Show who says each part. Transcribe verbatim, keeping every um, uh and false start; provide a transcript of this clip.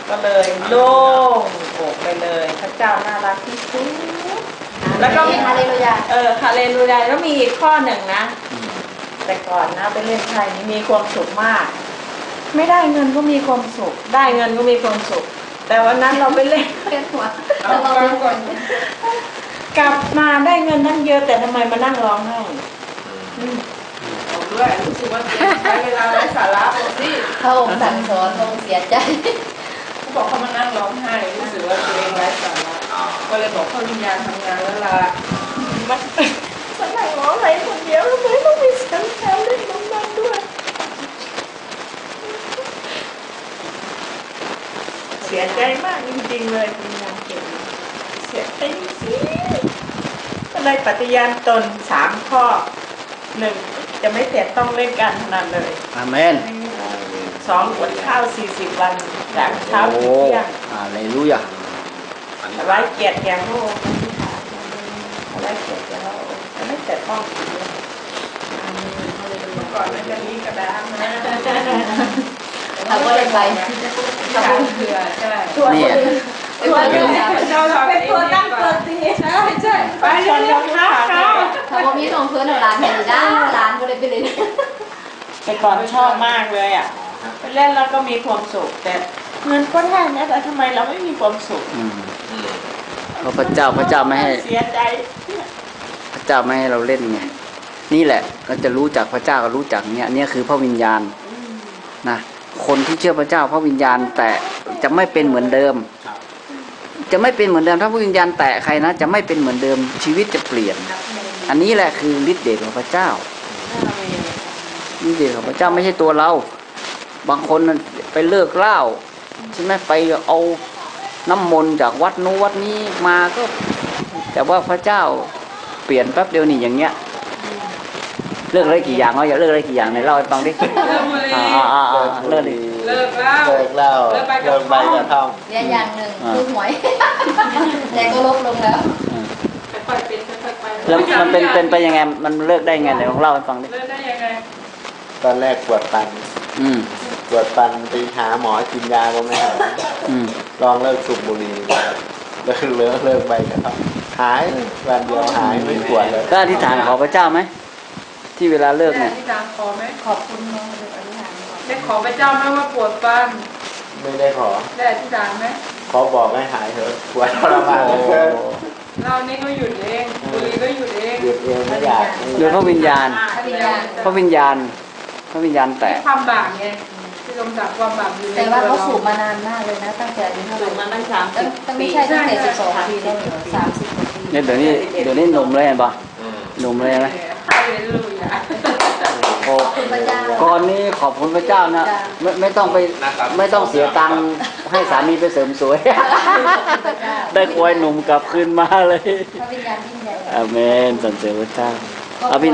Speaker 1: ก็เลยโล่งอกไปเลยพระเจ้าน่ารักที่สุดแล้วก็
Speaker 2: ฮาเลลูยา
Speaker 1: เออฮาเลลูยาแล้วมีอีกข้อหนึ่งนะแต่ก่อนนะไปเล่นไทยนี่มีความสุขมากไม่ได้เงินก็มีความสุขได้เงินก็มีความสุขแต่วันนั้นเราไปเล่น
Speaker 2: เล่นหัว
Speaker 1: เราฟังก่อนกลับมาได้เงินตั้งเยอะแต่ทำไมมานั่งร้องไห้ผมด้วยรู้สึกว่าใช้เวลาไร้สาระหมดสิ
Speaker 2: พระองค์สั่งสอนพระองค์เสียใจ
Speaker 1: เขาบอกเขามานั่งร้องไห้รู้สึกว่าตัวเองไร้สาระก็เลยบอกเขาวิญญาณทำงานแล้วล่ะมันมันนั่งร้องไห้คนเดียวแล้วไม่ต้องมีเสียงแถวเล่นน้ำมันด้วยเสียใจมากจริงๆเลยวิญญาณเก่งเสียใจสิก็เลยปฏิญาณตนสามข้อหนึ่งจะไม่เสียต้องเล่นการพนันเลย
Speaker 3: อาเมน
Speaker 1: สองอดข้าวสี่สิบวันจากเช้าถึงเที่ยง
Speaker 3: อาเลลูยา
Speaker 1: ไว้เกียรติแก่พระองค์ไว้เกียรติแก่พระองค์ไม่เสียต้องก่อนมันจะนี้กระดาษนะ
Speaker 2: ทำก็เลยไป
Speaker 1: ทำเผื่อใช่ตัวตัวเป็นตัวตั้งตัวตีใช่ใช่ไปชนกันค่ะ
Speaker 2: ทำว่ามีของเพื่อนร้านเห็นได้ร้านก็เลยไปเลย
Speaker 1: แต่ก่อนชอบมากเลยอ่ะไปเล่นแล้วก็มีความสุขแต่เงินก็ได้นะแต่ทำไมเราไม่มีความสุข
Speaker 3: เพราะพระเจ้าพระเจ้าไม่ให้
Speaker 1: เสียใจ
Speaker 3: พระเจ้าไม่ให้เราเล่นไงนี่แหละเราจะรู้จักพระเจ้าก็รู้จักเนี่ยเนี่ยคือพระวิญญาณนะคนที่เชื่อพระเจ้าพระวิญญาณแต่จะไม่เป็นเหมือนเดิมจะไม่เป็นเหมือนเดิมถ้าพระวิญญาณแตะใครนะจะไม่เป็นเหมือนเดิมชีวิตจะเปลี่ยนอันนี้แหละคือฤทธิ์เดชของพระเจ้าฤทธิ์เดชของพระเจ้าไม่ใช่ตัวเราบางคนไปเลิกเหล้าใช่ไหมไปเอาน้ำมนต์จากวัดนู้วัดนี้มาก็แต่ว่าพระเจ้าเปลี่ยนแป๊บเดียวนี่อย่างเงี้ยเลิกอะไรกี่อย่างเราอย่าเลิกอะไรกี่อย่างในเล่าให้ฟังดิอ่าอ่าอ่าเลิกเลย
Speaker 1: เลิกเหล้า
Speaker 4: เลิกเหล้าเลิกใบกระท่อม
Speaker 2: เนี่ยอย่างหนึ่งคือหวยแต่ก็ลดลงแล้ว
Speaker 1: ค่อยๆเป็นค่อยๆไป
Speaker 3: แล้วมันเป็นเป็นไปยังไงมันเลิกได้ไงเดี๋ยวเล่าให้ฟังดิ
Speaker 1: เลิกได้ยังไง
Speaker 4: ตอนแรกปวดฟันปวดฟันไปหาหมอกินยาก็ไม่หายลองเลิกสูบบุหรี่เลิกเลิกเลิกใบกระท่อมหายวันเดียวหายไม่ปวดเลย
Speaker 3: ก็อธิษฐานขอพระเจ้าไหมที่เวลาเลิกเนี่ย
Speaker 1: อธิษฐานขอไหมขอบคุณน้องเลยอธิษฐานได้ขอพระเจ้าไหมว่าปวดฟัน
Speaker 4: ไม่ได้ขอ
Speaker 1: ได้อธิษฐานไหม
Speaker 4: ขอบอกให้หายเถอะปวดทรมาน
Speaker 1: เรานี่ก็หยุดเองบุรีก็หยุดเอง
Speaker 4: หยุดเองไม่อยาก
Speaker 3: หยุดพระวิญญาณพระวิญญาณพระวิญญาณแต่
Speaker 1: ความบาปไงที่ลงจากความบาปอยู่
Speaker 2: แต่ว่าเขาสูบมานานมากเลยนะตั้งแต่อายุเท่าไหร่
Speaker 1: สูบมาตั้งสามสิบ
Speaker 2: ตั้งไม่ใช่ตั้งแต่สิบสองปีแล้วสามสิบปี
Speaker 3: เนี่ยเดี๋ยวนี้เดี๋ยวนี้หนุ่มเลยเห็นปะหนุ่มเลยไหมโอ้ก่อนนี้ขอบคุณพระเจ้านะไม่ไม่ต้องไปไม่ต้องเสียตังค์ให้สามีไปเสริมสวยได้ควายหนุ่มกลับคืนมาเลย
Speaker 2: พระวิญญาณยิ่งใหญ่
Speaker 3: อาเมนสรรเสริญพระเจ้า